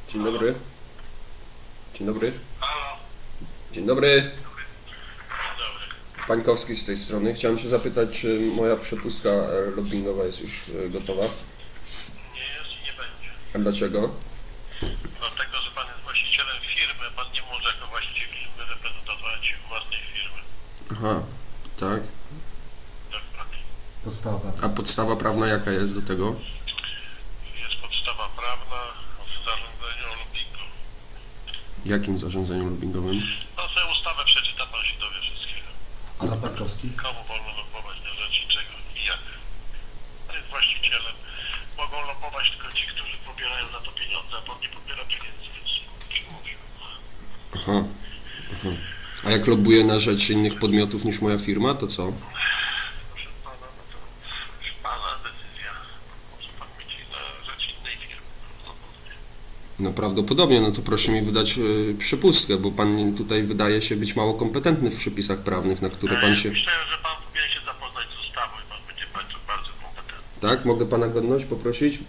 Dzień dobry. Dzień dobry. Halo. Dzień dobry. Dobry. Pańkowski z tej strony. Chciałem się zapytać, czy moja przepustka lobbingowa jest już gotowa? Nie jest i nie będzie. A dlaczego? Dlatego, że pan jest właścicielem firmy, pan nie może jako właściciel firmy reprezentować własnej firmy. Aha, tak. Dokładnie. Podstawa. A podstawa prawna jaka jest do tego? Jest podstawa prawna w zarządzeniu o lobbingu. Jakim zarządzeniu lobbingowym? No sobie ustawę przeczyta, pan się dowie wszystkiego. A na Pankowski? Komu wolno lobbować na rzeczy czego i jak. Pan jest właścicielem. Mogą lobbować tylko ci, którzy pobierają za to pieniądze, a pan nie pobiera pieniędzy, więc mówię. Aha. Aha. A jak lobbuję na rzecz innych podmiotów niż moja firma, to co? Proszę pana, no to już pana decyzja. Może pan mieć na rzecz innej firmy. No prawdopodobnie, no to proszę mi wydać przepustkę, bo pan tutaj wydaje się być mało kompetentny w przepisach prawnych, na które pan się... Myślę, że pan powinien się zapoznać z ustawą i pan będzie bardzo kompetentny. Tak? Mogę pana godność poprosić?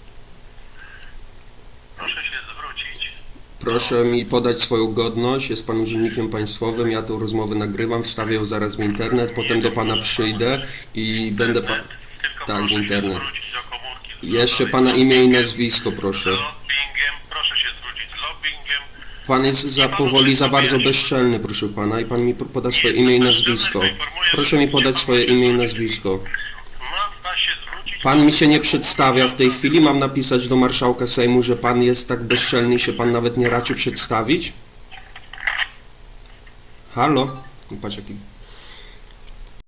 Proszę się zwrócić. Proszę mi podać swoją godność, jest pan urzędnikiem państwowym, ja tą rozmowę nagrywam, wstawię ją zaraz w internet, potem do pana przyjdę i będę pan... Tylko Tak, w proszę internet. się zwrócić do komórki. Jeszcze pana imię i nazwisko, proszę. Lobbingiem, proszę się zwrócić z lobbingiem. Pan jest za powoli, za bardzo bezczelny, proszę pana, i pan mi poda swoje imię i nazwisko. Proszę mi podać swoje imię i nazwisko. Ma się zwrócić. Pan mi się nie przedstawia w tej chwili, mam napisać do marszałka Sejmu, że pan jest tak bezczelny i się pan nawet nie raczy przedstawić? Halo? Patrz jaki